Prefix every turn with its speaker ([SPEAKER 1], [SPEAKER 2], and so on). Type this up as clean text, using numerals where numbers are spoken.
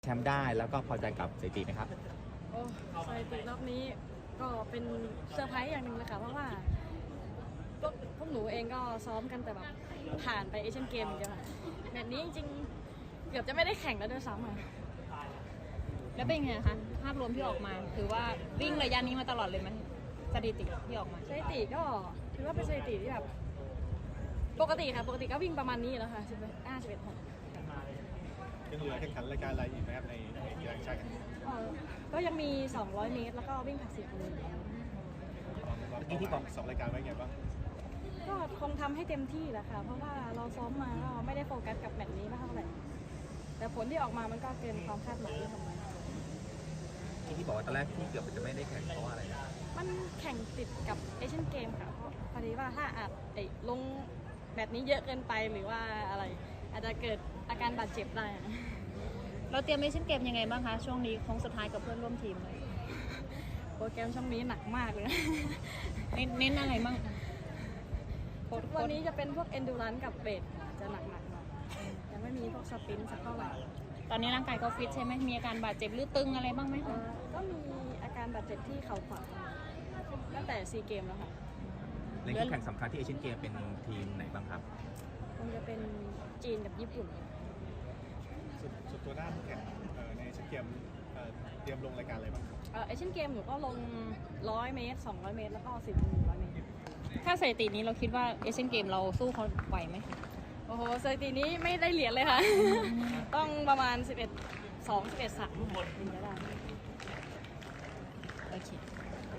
[SPEAKER 1] แชมป์ได้แล้วก็พอใจกับสถิติไหมครับ
[SPEAKER 2] โอ้สถิติรอบนี้ก็เป็นเซอร์ไพรส์อย่างหนึ่งเลยค่ะเพราะว่าพวกหนูเองก็ซ้อมกันแต่แบบผ่านไปเอเชียนเกมอย่างเดียวค่ะแมตช์นี้จริงๆเกือบจะไม่ได้แข่งแล้วด้วยซ้ำค่ะ
[SPEAKER 3] แล้วเป็นไงคะภาพรวมที่ออกมาถือว่าวิ่งระยะนี้มาตลอดเลยมันสถิติที่ออกมา
[SPEAKER 2] สถิติก็ถือว่าเป็นสถิติที่แบบปกติค่ะปกติก็วิ่งประมาณนี้แล้วค่ะ11 6
[SPEAKER 4] ยังเหลือแข่งขันรายการอะไรอีกไหมครับในกีฬาแห่งชาติครั้งนี้
[SPEAKER 2] ก็ยังมี 200 เมตรแล้วก็วิ่งผลัด4 กิโล
[SPEAKER 4] ที่บอกสองรายการไว้ไงบ้าง
[SPEAKER 2] ก็คงทำให้เต็มที่แหละค่ะเพราะว่าเราซ้อมมาก็ไม่ได้โฟกัสกับแมตช์นี้มากเท่าไหร่แต่ผลที่ออกมามันก็เกินความคาดหมายที่ทำไว้
[SPEAKER 1] ที่บอกว่าตอนแรกที่เกือบจะไม่ได้แข่งเพราะว่าอะไรนะ
[SPEAKER 2] มันแข่งติดกับเอเชียนเกมค่ะเพราะพอดีว่าถ้าอาจลงแบบนี้เยอะเกินไปหรือว่าอะไร อาจจะเกิดอาการบาดเจ็บได้อะ
[SPEAKER 3] เราเตรียมเอเชียนเกมยังไงบ้างคะช่วงนี้โค้งสุดท้ายกับเพื่อนร่วมทีมเลย
[SPEAKER 2] โปรแกรมช่วงนี้หนักมากเลย
[SPEAKER 3] เน้นอะไรบ้าง
[SPEAKER 2] วันนี้จะเป็นพวก endurance กับเบสจะหนักๆหน่อยยังไม่มีพวกสปรินต์สักเท่าไหร่
[SPEAKER 3] ตอนนี้ร่างกายก็ฟิตใช่ไหมมีอาการบาดเจ็บหรือตึงอะไรบ้างไหมคะ
[SPEAKER 2] ก็มีอาการบาดเจ็บที่เข่าขวาตั้งแต่ซีเกมแล้วค่ะ
[SPEAKER 1] ในคู่แข่งสำคัญที่เอเชียนเกมเป็นทีมไหนบ้างครับ
[SPEAKER 2] คงจะเป็นจีนกับญี่ปุ่น
[SPEAKER 4] สุดตัวด้านแข่งในเอเชียนเกมเตรียมลงรายการอะไรบ้างครับ
[SPEAKER 2] เอเชียนเกมหนูก็ลง 100 เมตร 200 เมตร แล้วก็ 10 100 เมตร
[SPEAKER 3] ถ้าสถิตินี้เราคิดว่าเอเชียนเกมเราสู้เขาไหวไหม
[SPEAKER 2] โอ้โหสถิตินี้ไม่ได้เหรียญเลยค่ะ ต้องประมาณ 11 2 11 3ถึงจะได้